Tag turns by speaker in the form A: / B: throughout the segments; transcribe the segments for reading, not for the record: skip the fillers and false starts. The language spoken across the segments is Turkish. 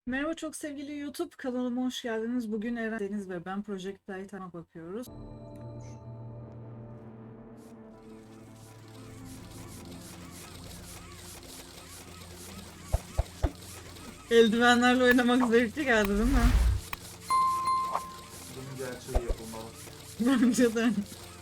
A: Merhaba çok sevgili YouTube kanalıma hoş geldiniz. Bugün Eren Deniz ve ben Project Titan'a bakıyoruz. Eldivenlerle oynamak zevkli geldi değil mi?
B: Bunun gerçeği yapılmalı.
A: Bence de.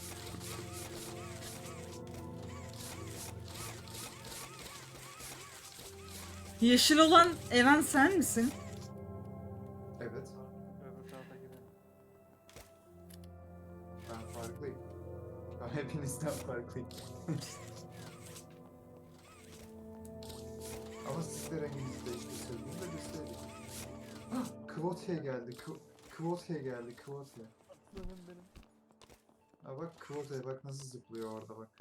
A: Yeşil olan Eren sen misin?
B: Evet,
C: Öbür taraftaki benim.
B: ben farklıyım. Ben hepinizden farklıyım. Ama siz de renginizi değiştirseydiniz de göstereyim. Ah, Kvotiye geldi. Kvotiye geldi. Kvotiye.
C: Aslanım benim.
B: Ha bak Kvotiye bak nasıl zıplıyor orada bak.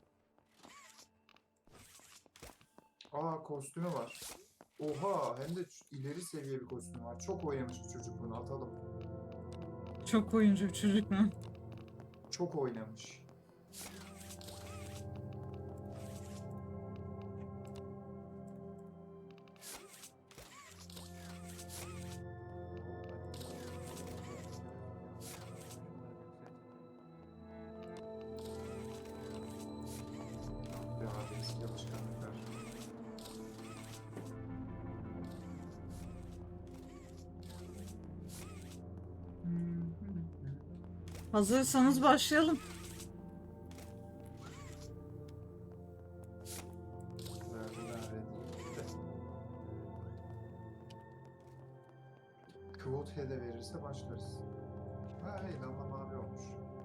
B: Aa kostümü var. Oha hem de ileri seviye bir kostüm var. Çok oynamış bu çocuk bunu atalım.
A: Çok oyuncu bir çocuk mu?
B: Çok oynamış. Ya eski alışkanlıklar.
A: Hazırsanız başlayalım.
B: Kvotiye de verirse başlarız. Ha hey damla mavi olmuş.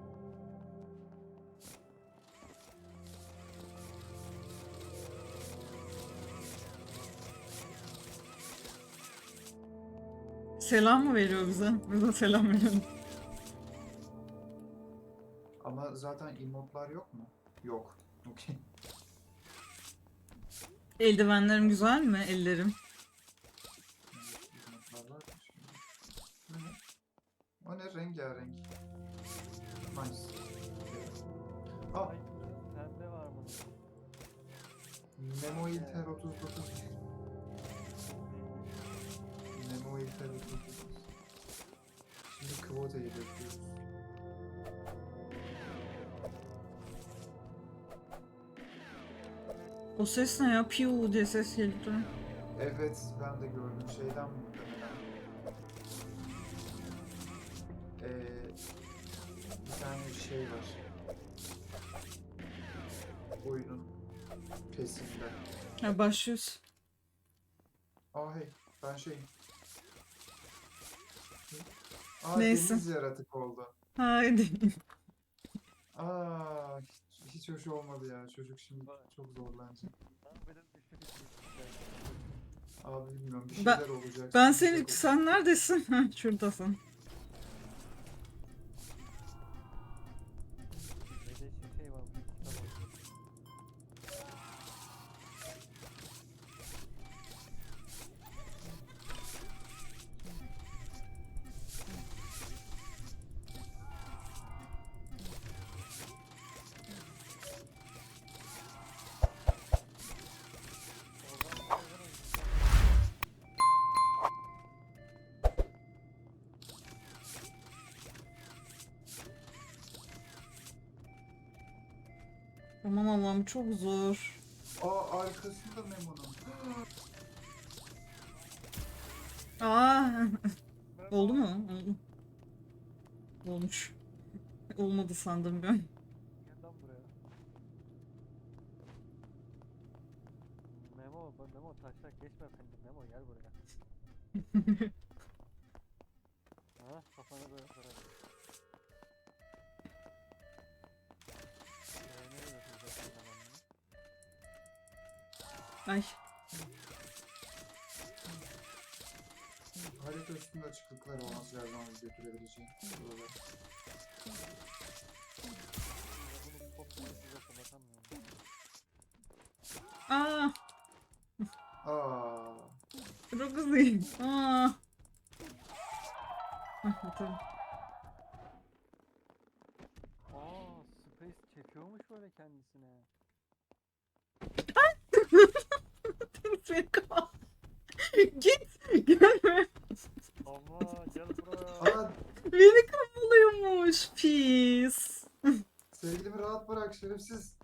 A: Selam mı veriyor bize? Bize selam veriyor.
B: Ama zaten emotlar yok mu? Yok. Okey.
A: Eldivenlerim güzel mi? Ellerim.
B: Emotlar var mı şimdi? Bu ne? O ne? Rengarenk. Nice. Okay. Ah!
C: Ay, sende var mı?
B: Nemo İlter 39. Nemo İlter 39. Şimdi Kvote'yi bekliyoruz.
A: O ses ne ya? Piu diye ses geldi.
B: Evet ben de gördüm. Şeyden muhtemelen. Bir tane şey var. Oyunun pesinde.
A: Ha başlıyoruz.
B: Aa hey ben şeyim. Aa
A: Neyse.
B: deniz yaratık oldu.
A: Haydi.
B: Aa hiç hoş olmadı ya. Çocuk şimdi çok zorlanacak.
C: Lan benim düşük işte.
B: Abi bilmiyorum bir
A: Ben-
B: şeyler olacak.
A: Ben
B: sıkıntı
A: seni...
B: yok.
A: Sen neredesin? Ha, şuradasın.
C: Ve de şey var. Tamam.
A: Aman Allah'ım çok zor.
B: Aa arkasında Memo'nun.
A: Aa, oldu mu? Oldu. Olmuş. Olmadı sandım ben.
C: Gel lan buraya. Memo taşak geçme efendim. Memo gel buraya. Ha kafana böyle kırarım. Nereye götüreceksin ben onu?
A: Ay.
B: Harita üstünde açıklıklar olması lazım abi götürebileceğim. Buralar.
C: Bunu çok size fırlatamıyorum.
A: Aa,
B: Aa.
A: çok hızlıyım. Aa. Ah, tamam.
C: Space çekiyormuş böyle kendisine.
A: Git. Gelme. Beni kovalıyormuş. Pis.
B: Sevgilimi rahat bırak şerefsiz.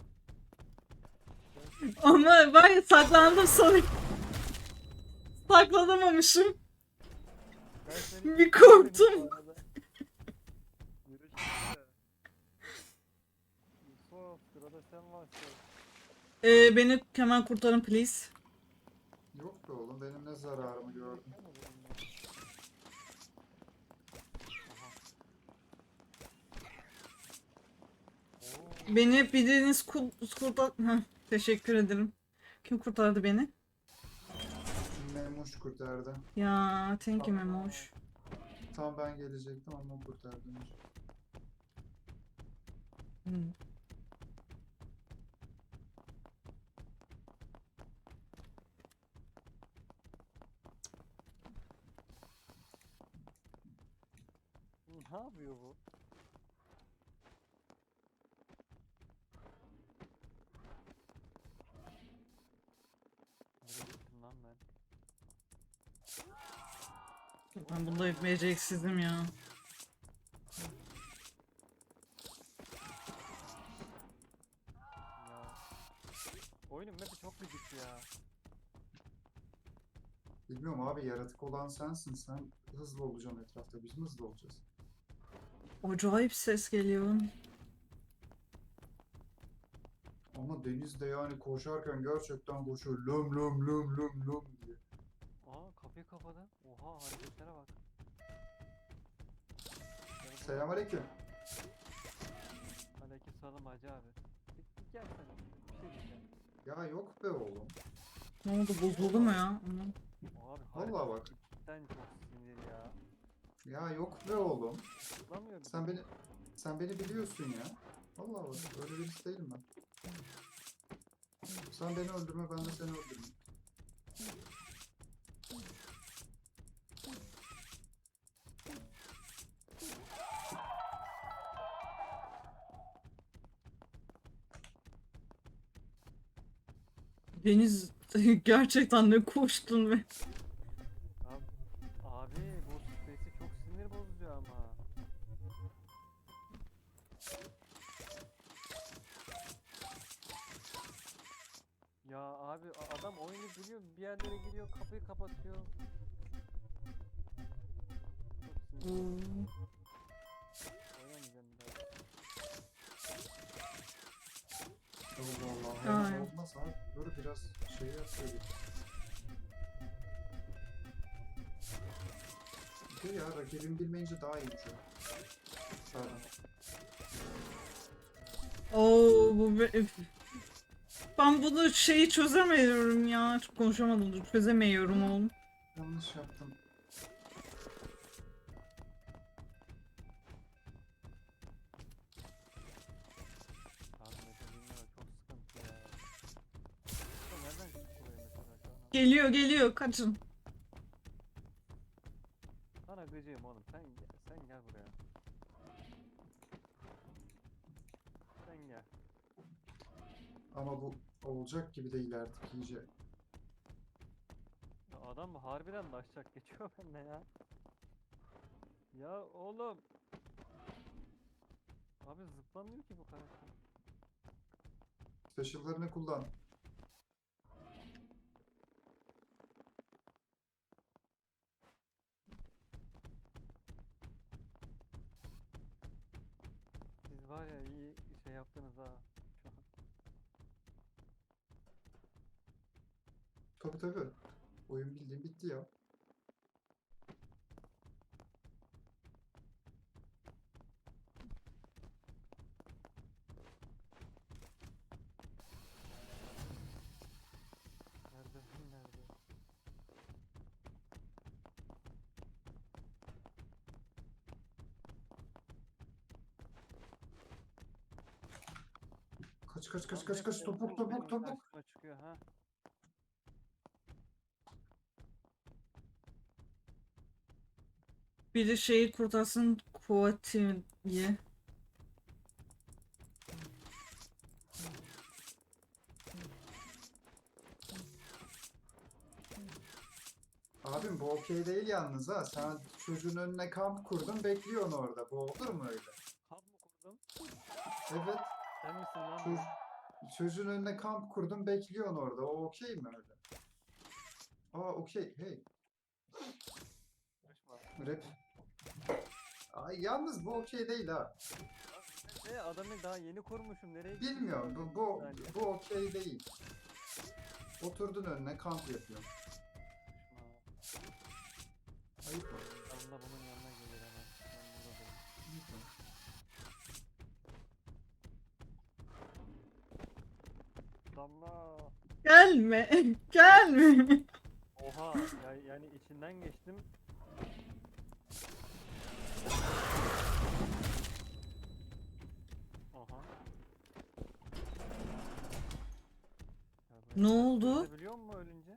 A: Ama ben saklandım sonra. Saklanamamışım.
C: Ben seni
A: Bir korktum.
C: bu arada. Yürü şimdi. Yusuf, sırada sen varsın.
A: Beni hemen kurtarın please.
B: Yok be oğlum benim ne zararımı gördün.
C: Sen mi dedin ya? Aha. Oo,
A: Beni biriniz kurtar... Heh, teşekkür ederim. Kim kurtardı beni?
B: Memuş kurtardı.
A: Ya thank you Memoş.
B: Tam ben gelecektim ama o kurtardı.
A: Hmm.
C: ne yapıyor bu? Nereye gittim lan ben?
A: Ben bunda beceriksizim ya.
C: Ya. Oyunun map'i çok gıcık ya.
B: Bilmiyorum abi yaratık olan sensin. Sen hızlı olacaksın etrafta. Biz mi hızlı olacağız?
A: Acayip ses geliyor.
B: Ama Deniz de yani koşarken gerçekten koşuyor. Lüm lüm lüm lüm lüm diye.
C: Aa, kapıyı kapadı. Oha, hareketlere bak.
B: Selamünaleyküm.
C: Aleykümselam hacı abi. Bir gelsene. Bir şey diyeceğim.
B: Ya yok be oğlum.
A: Ne oldu bozuldu mu ya? Aman.
C: Abi
B: Vallahi bak.
C: cidden çok sinir ya.
B: Ya yok be oğlum.
C: Zıplamıyor
B: Sen beni biliyorsun ya. Vallahi bak öyle birisi değilim ben. Sen beni öldürme ben de seni öldürürüm.
A: Deniz gerçekten ne koştun ve
C: Abi bu space'i çok sinir bozucu ama. Ya abi adam oyunu biliyor, bir yerlere giriyor, kapıyı kapatıyor. Çok sinir. Oynamayacağım bir daha.
B: Allah Allah.
A: Ay.
B: Hemen olmaz abi. Dur biraz şey yapsaydık. Bir de ya rakibim bilmeyince daha iyiymiş o. Pardon.
A: Oo ben bunu şeyi çözemiyorum ya. Çok konuşamadım. Çözemiyorum oğlum.
B: Yanlış yaptım.
C: Tahmin edebilmiyorum, çok sıkıntı ya. Ya nereden çıktı buraya mesela şu an?
A: Geliyor kaçın.
C: Sana gıcığım oğlum, sen gel buraya. Sen gel.
B: Ama bu olacak gibi değil artık iyice.
C: Ya adam harbiden daşacak geçiyor bende ya. Ya oğlum. Abi zıplamıyor ki bu karakter.
B: Special'larını kullan.
C: Siz var ya iyi şey yaptınız ha. Şu an.
B: Tabi tabi. Oyun bildiğin bitti ya.
C: Nerede?
B: Kaç topuk
C: Benim karşıma çıkıyor ha.
A: Biri şeyi kurtarsın Kuati'yi.
B: Abim bu ok okey değil yalnız ha. Sen çocuğun önüne kamp kurdun, bekliyorsun orada. Bu olur mu öyle?
C: Kamp mı kurdum?
B: Evet.
C: Sen misin lan
B: Çocuk,
C: bu?
B: çocuğun önüne kamp kurdun, bekliyorsun orada. O okey mi öyle? Aa okey. Hey.
C: Konuşma.
B: Rap. Ay, yalnız bu okey değil ha.
C: Adamı daha yeni kurmuşum. Nereye gittin?
B: Bilmiyorum.
C: Bir
B: Bu
C: saniye.
B: bu okey değil. Oturdun önüne kamp yapıyorsun.
C: Konuşma.
B: Ayıp mı?
C: Damla bunun yanına gelir hemen. Ben buradayım.
B: Ayıp mı?
C: Damla.
A: Gelme. Gelme.
C: Oha. Yani içinden geçtim. Aha. Ya
A: Ne
C: böyle
A: oldu?
C: ters biliyor musun ölünce?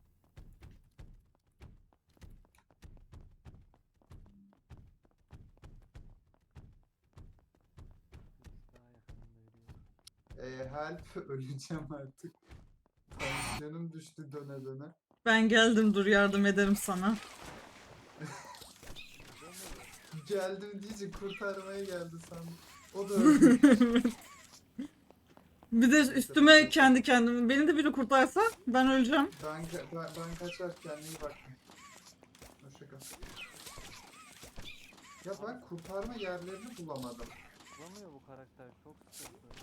C: Biz daha yakınında yürüyoruz.
B: Help. Öleceğim artık. Tansiyonum düştü döne döne.
A: Ben geldim, dur yardım ederim sana.
C: Biliyor musun?
B: Geldim diyece kurtarmaya geldi sandım. O da öldü.
A: Bir de üstüme kendi kendime. Beni de biri kurtarsa ben öleceğim.
B: Ben kaçar, kendine iyi bak. Hoşçakal. Ya ben kurtarma yerlerini bulamadım.
C: Bulamıyor bu karakter. Çok sıkıntı.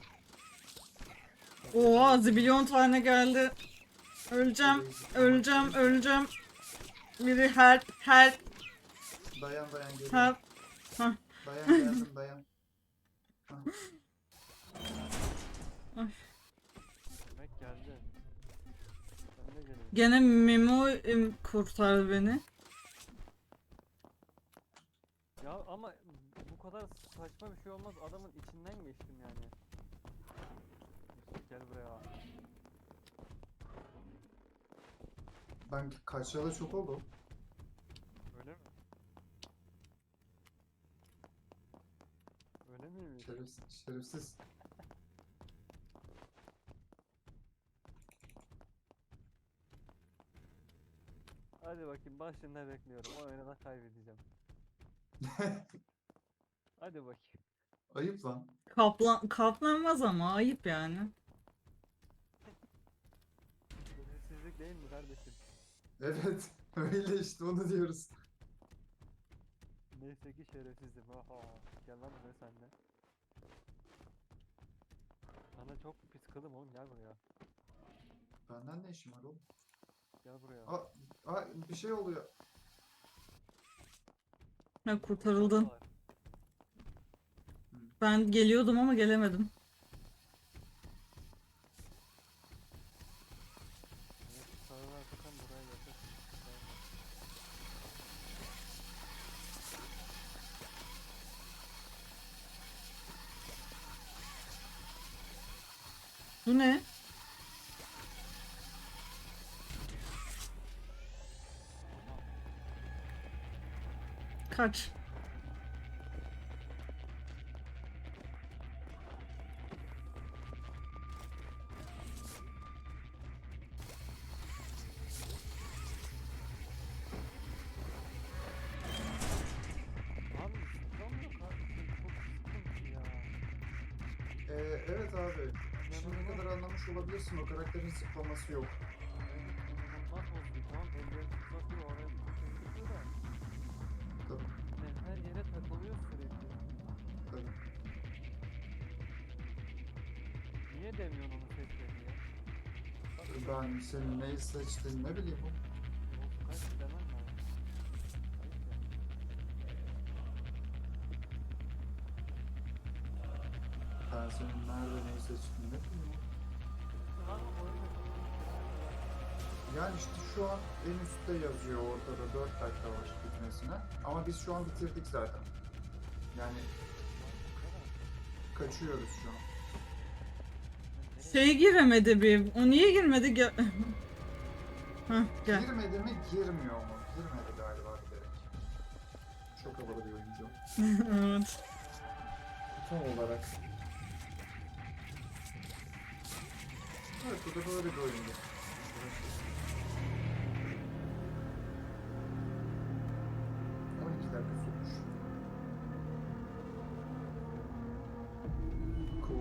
A: Oha, zibilyon tane geldi. Öleceğim. Öleceğim. Öleceğim. Biri help.
B: Dayan geliyorum.
A: Help.
B: Dayan geldim dayan. Hah.
C: Demek geldi. Ben de geleyim.
A: Gene Memo kurtardı beni.
C: Ya ama bu kadar saçma bir şey olmaz. Adamın içinden geçtim yani. Gel buraya.
B: Ben kaçalı çok oldu.
C: Öyle mi? Öyle miymiş?
B: Şerefsiz.
C: Hadi bakayım başında bekliyorum. O oyunu da kaybedeceğim. Hadi bakayım.
B: Ayıp lan.
A: Kaplanmaz ama ayıp yani.
C: Şerefsizlik değil mi kardeşim?
B: Evet. Öyle işte onu diyoruz.
C: Neyse ki şerefsizim. Aha. Gel lan buraya sen de. Sana çok pis kılım oğlum, gel buraya.
B: Benden ne işim var oğlum?
C: Gel buraya.
B: Bir şey oluyor.
A: Ha, kurtarıldın.
C: Var.
A: Ben geliyordum ama gelemedim.
C: Evet, sarılarsan buraya yakırsın.
A: Bu ne? Kaç.
C: Abi zıplamıyor kardeşim, çok sıkıntı ya.
B: Evet abi. Şimdiye kadar anlamış olabilirsin, o karakterin zıplaması yok.
C: İnanılmaz bozdu, tamam ellerini tutmasıyor, oraya tutuyor da.
B: Tabii,
C: Yani her yere takılıyor sürekli.
B: tabii.
C: Niye demiyorsun onu seçme diye?
B: Ben senin neyi seçtiğini ne bileyim.
C: Yok, kaç demem lazım. Ayıp ya.
B: Ben senin nerede neyi seçtiğini ne bileyim.
C: Lan oyunu
B: Yani işte şu an en üstte yazıyor, ortada 4 dakika var bitmesine. Ama biz şu an bitirdik zaten. Yani kaçıyoruz şu an.
A: Şey giremedi bir. O niye girmedi? Hah, gel.
B: Girmedi mi, girmiyor mu? Girmedi galiba bilerek. Çok havalı bir oyuncu.
A: Evet.
B: Tam olarak. Evet, bu da böyle bir oyundu.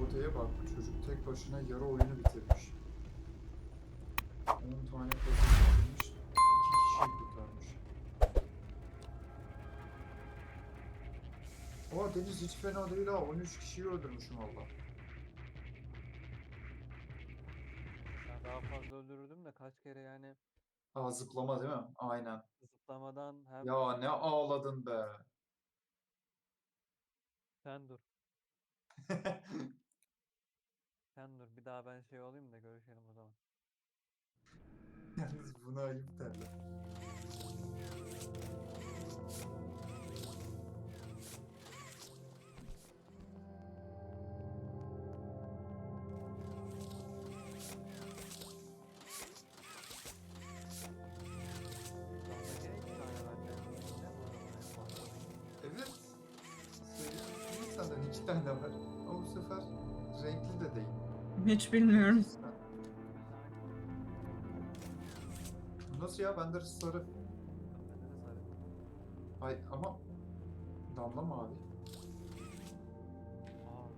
B: Kuota'ya bak. Çocuk tek başına yarı oyunu bitirmiş. 10 tane kazı bitirmiş. 2 kişiyi kurtarmış. Oha Deniz hiç fena değil ha. 13 kişiyi öldürmüşüm valla.
C: Ya daha fazla öldürürdüm de kaç kere yani
B: Aa zıplama değil mi? Aynen.
C: zıplamadan hem
B: Ya ne ağladın be.
C: sen dur. Sen dur. Bir daha ben şey olayım da görüşelim o zaman.
B: Yalnız buna ayıp derler.
C: Sonra gene 2 tane vereceğim. Ne bu adamın en fazla?
B: Evet. Söylediğim senden 2 tane var. Ama bu sefer renkli de değil.
A: Hiç bilmiyorum.
B: Ha, nasıl ya? Bende sarı.
C: Bende de sarı.
B: Ay ama damla mavi.
C: Aa,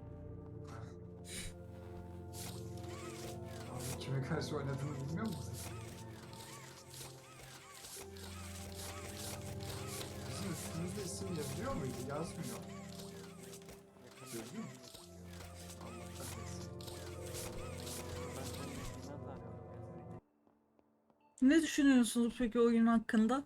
B: Abi kime karşı oynadığını bilmiyor musun? Bizim üstümüzde isim yazıyor muydu? Yazmıyor.
C: yakında
B: Yazıyor mu? Allah kahretsin.
C: ben senin isminden tanıyorum Mesleği.
A: Ne düşünüyorsunuz peki oyun hakkında?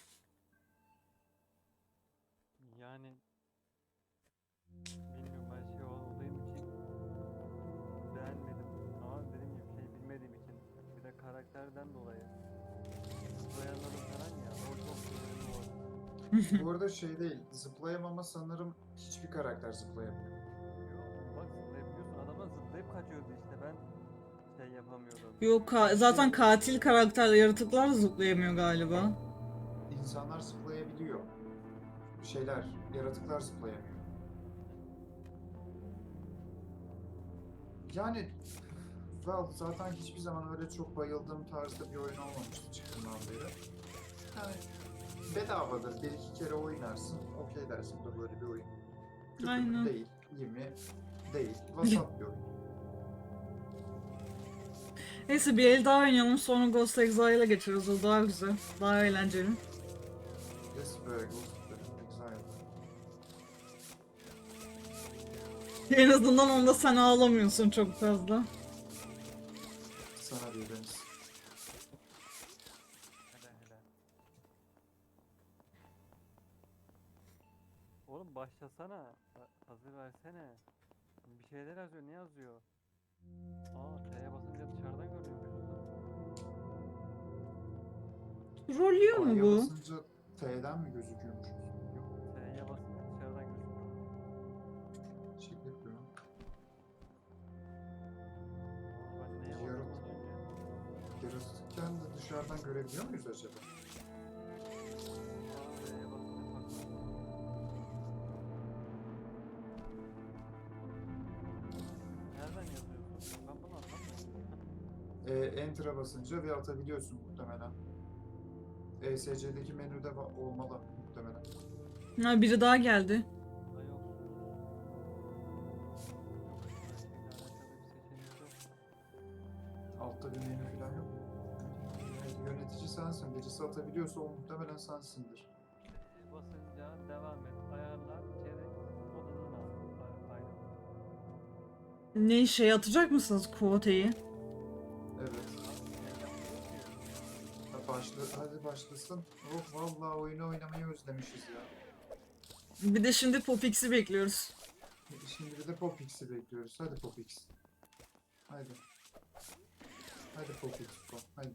C: Yani bilmiyorum ben şey olduğum için beğenmedim ama dediğim gibi şey bilmediğim için bir de karakterden dolayı zıplayanların falan ya o çok sinirli oldu.
B: Bu arada şey değil, zıplayamama sanırım hiçbir karakter zıplayamıyor.
C: Yo, bak zıplayabiliyorsun adamlar zıplayıp kaçıyordu işte ben şey yapamıyordum.
A: Yok zaten katil karakterle yaratıklar da zıplayamıyor galiba.
B: İnsanlar zıplayabiliyor. Şeyler, yaratıklar zıplayamıyor. Yani zaten hiçbir zaman öyle çok bayıldığım tarzda bir oyun olmamıştı çıktığından beri. Yani bedavadır, bir iki kere oynarsın, okey dersin bu da böyle bir oyun. Kötü mü?
A: Aynen.
B: Değil, iyi mi? Değil, vasat bir oyun.
A: Neyse bir el daha oynayalım sonra Ghost Exile'a geçeriz. O daha güzel. Daha eğlenceli.
B: Yes be, Ghost Exile.
A: En azından onda sen ağlamıyorsun çok fazla.
B: Sana bir Deniz.
C: Hele hele. Oğlum başlasana. Hazır versene. Bir şeyler yazıyor. Ne yazıyor? Aa T'ye basınca dışarıdan görünüyormuş lan.
A: Trollüyor mu
B: A'ya
A: bu?
B: basınca T'den mi gözüküyormuş? Yok,
C: T'ye basınca dışarıdan gözüküyor.
B: şey yapıyorum.
C: Aa ben neye bastım az önce?
B: Yaratıkken de dışarıdan görebiliyor muyuz acaba?
C: Aa T'ye basınca saklanıyor. Nereden yazıyorsun? Ben bunu anlamıyorum.
B: Enter'a basınca ve atabiliyorsun muhtemelen. ESC'deki menüde olmalı muhtemelen.
A: Ha, biri daha geldi.
C: Aa yok. Yok her şeyle alakalı bir seçenek yok.
B: Altta bir menü falan yok mu? Yönetici sensin. Birisi atabiliyorsa o muhtemelen sensindir.
C: Basınca devam et. Ayarlar, çerek, odadan al. Aynen.
A: Ne şey atacak mısınız Quote'yi?
B: Evet.
C: Ne yapıyor ki?
B: Hadi başlasın. Oh vallahi oyunu oynamayı özlemişiz ya.
A: Bir de şimdi Popix'i bekliyoruz.
B: Şimdi bir de Popix'i bekliyoruz. Hadi Popix. Haydi. Hadi Popix. Haydi.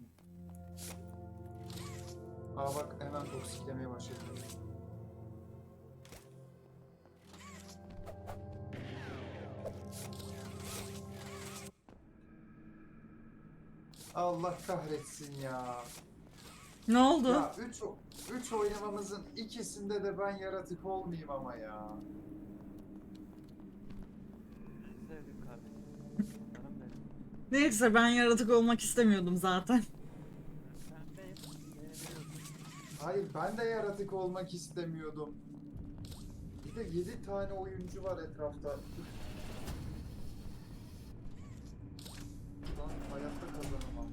B: Aa bak hemen toksiklemeye başladı. Allah kahretsin ya.
A: Ne oldu?
B: Ya 3 oynamamızın ikisinde de ben yaratık olmayayım ama ya.
C: Sevdim kardeşim. Canım benim.
A: Neyse ben yaratık olmak istemiyordum zaten.
C: Sen değil, beni biliyorsun.
B: Hayır ben de yaratık olmak istemiyordum. Bir de 7 tane oyuncu var etrafta. Lan hayatta kazanamam.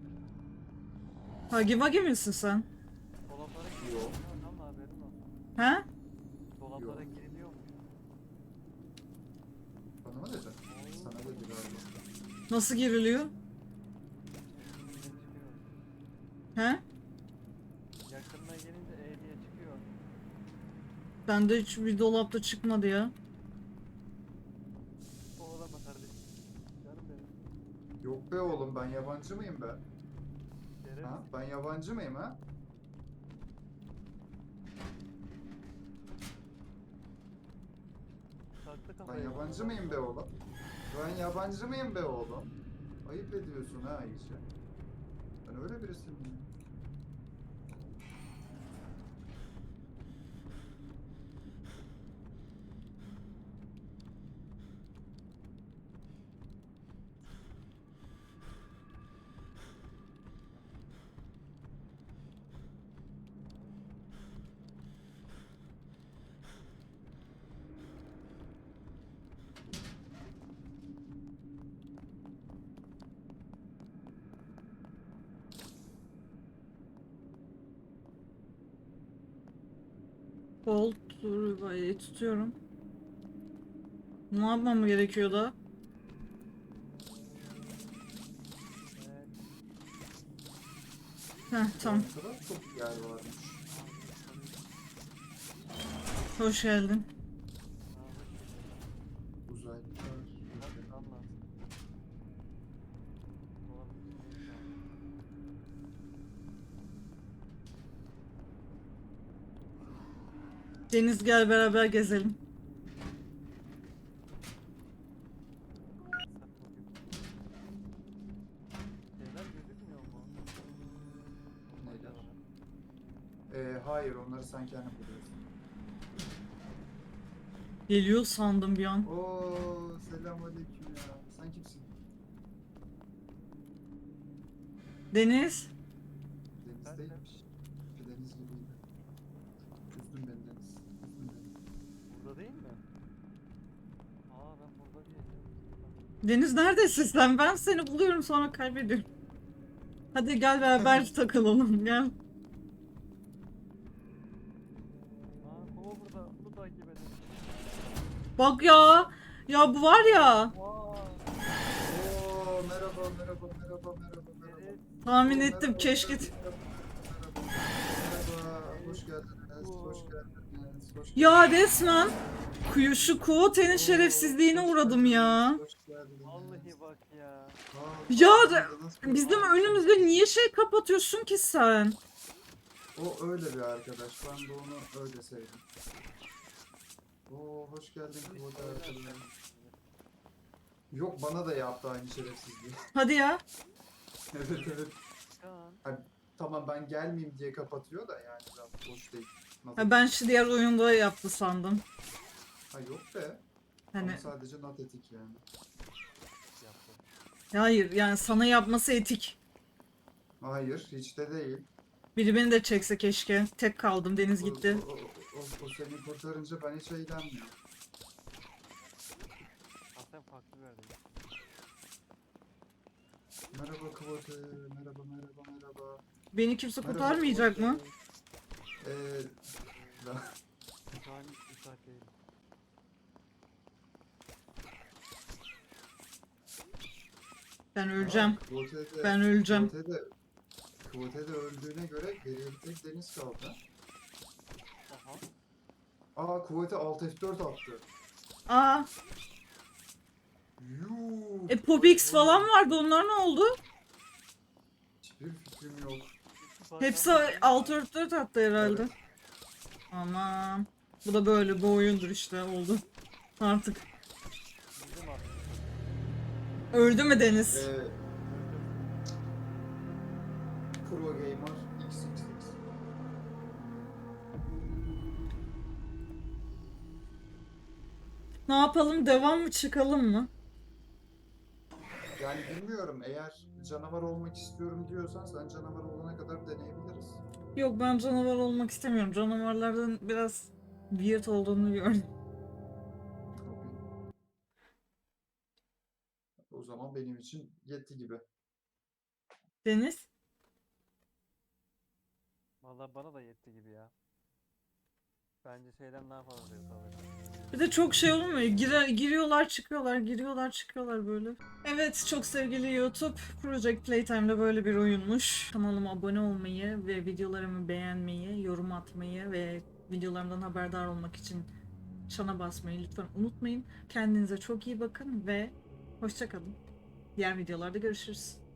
A: Hagi Wagi misin sen?
C: Dolaplara
B: Yok.
C: giriliyor ama haberin olsun.
A: He?
C: Dolaplara
B: Yok.
C: giriliyor mu?
B: Bana mı dedin? Sana dedi galiba.
A: Nasıl giriliyor?
C: Yine çıkıyor.
A: He?
C: Yakınına gelince E diye çıkıyor.
A: Bende hiç bir dolapta çıkmadı ya.
C: Kovalama kardeşim. Canım benim.
B: Yok be oğlum, ben yabancı mıyım be?
C: Şeref.
B: Ha? Ben yabancı mıyım ha?
C: Taktı
B: Ben
C: kafayı.
B: yabancı mıyım be oğlum? Ben yabancı mıyım be oğlum? Ayıp ediyorsun ha iyice. Ben öyle birisi miyim?
A: Bolt tutuyorum. Ne yapmam gerekiyor da?
C: Evet.
A: Heh tamam.
B: Ne kadar çok yer varmış.
A: Hoş geldin.
B: Uzaylılar.
C: Hadi anlat. Dolabın içindeyim şu an.
A: Deniz gel beraber gezelim.
C: Sat bakayım. Şeyler gözükmüyor mu?
B: Neler? Hayır, onları sen kendin buluyorsun.
A: Geliyor sandım bir an.
B: Oo, selamünaleyküm ya. Sen kimsin?
A: Deniz.
B: Denizdeymiş. Deniz gibiydi. Üzdün beni Deniz. Üzdün beni.
C: Burada değil mi? Aa ben burada değilim.
A: Deniz neredesin sen? Ben seni buluyorum sonra kaybediyorum. Hadi gel beraber takılalım gel.
C: Aa kova burada. Bunu takip edin.
A: Bak ya. Ya bu var ya.
C: Vaa.
B: Oo, merhaba, merhaba, merhaba, merhaba, merhaba.
C: Evet.
A: Tahmin
B: Oo,
A: ettim
B: merhaba,
A: keşke.
B: merhaba, merhaba. Merhaba, hoş geldiniz, hoş geldiniz, hoş
A: Ya
B: geldiniz.
A: resmen şu Kuote'nin şerefsizliğine
B: Hoş
A: uğradım
B: geldiniz,
A: ya.
B: hoş geldiniz.
C: Vallahi bak ya.
B: Aa,
A: Ya
B: baktığınızda nasıl
A: bizim
B: bir-
A: önümüzde niye şey kapatıyorsun ki sen?
B: O öyle bir arkadaş. Ben de onu öyle sevdim. Oo, hoş geldin Kıvılcım arkadaşım. Yok, bana da yaptı aynı şerefsizliği.
A: Hadi ya.
B: Evet, evet.
C: Kaan.
B: Tamam, ben gelmeyeyim diye kapatıyor da yani biraz hoş değil. Nasıl?
A: Ha, ben şu diğer oyunda yaptı sandım.
B: Ha, yok be.
A: Hani
B: Ama sadece not etik yani.
C: Yaptı.
A: hayır yani sana yapması etik.
B: Hayır, hiç de değil.
A: Biri beni de çekse keşke. Tek kaldım Deniz gitti.
B: O seni kurtarınca ben hiç eğlenmiyorum.
C: Aslen farklı bir yerdeyim.
B: Merhaba Kıvılcım, merhaba, merhaba, merhaba.
A: Beni kimse
B: Merhaba,
A: kurtarmayacak mı?
B: Kıvılcım. Ben-
C: Şu an müsait değilim.
A: Ben öleceğim.
B: Kıvılcım
A: Ben öleceğim.
B: Kıvılcım öldüğüne göre geriye bir tek Deniz kaldı.
C: Aha.
B: Aa, Kıvılcım Alt F4 attı.
A: Aa,
B: Yuh.
A: Popix falan vardı. Onlar ne oldu?
B: Hiçbir fikrim yok.
A: Hepsi alt örtleri attı herhalde.
B: Evet.
A: Aman. Bu da böyle bu oyundur işte oldu. Artık.
C: Bizim artık.
A: Öldü mü Deniz?
B: Pro Gamer XXX.
A: Ne yapalım? Devam mı çıkalım mı?
B: Yani bilmiyorum, eğer canavar olmak istiyorum diyorsan sen canavar olana kadar deneyebiliriz.
A: Yok ben canavar olmak istemiyorum. Canavarlardan biraz weird olduğunu gördüm.
B: O zaman benim için yetti gibi.
A: Deniz?
C: Vallahi bana da yetti gibi ya. Bence şeyden daha fazla zevk alırım.
A: Bir de çok şey olmuyor. Giriyorlar çıkıyorlar, giriyorlar çıkıyorlar böyle. Evet, çok sevgili YouTube, Project Playtime'da böyle bir oyunmuş. Kanalıma abone olmayı ve videolarımı beğenmeyi, yorum atmayı ve videolarımdan haberdar olmak için çana basmayı lütfen unutmayın. Kendinize çok iyi bakın ve hoşça kalın. Diğer videolarda görüşürüz.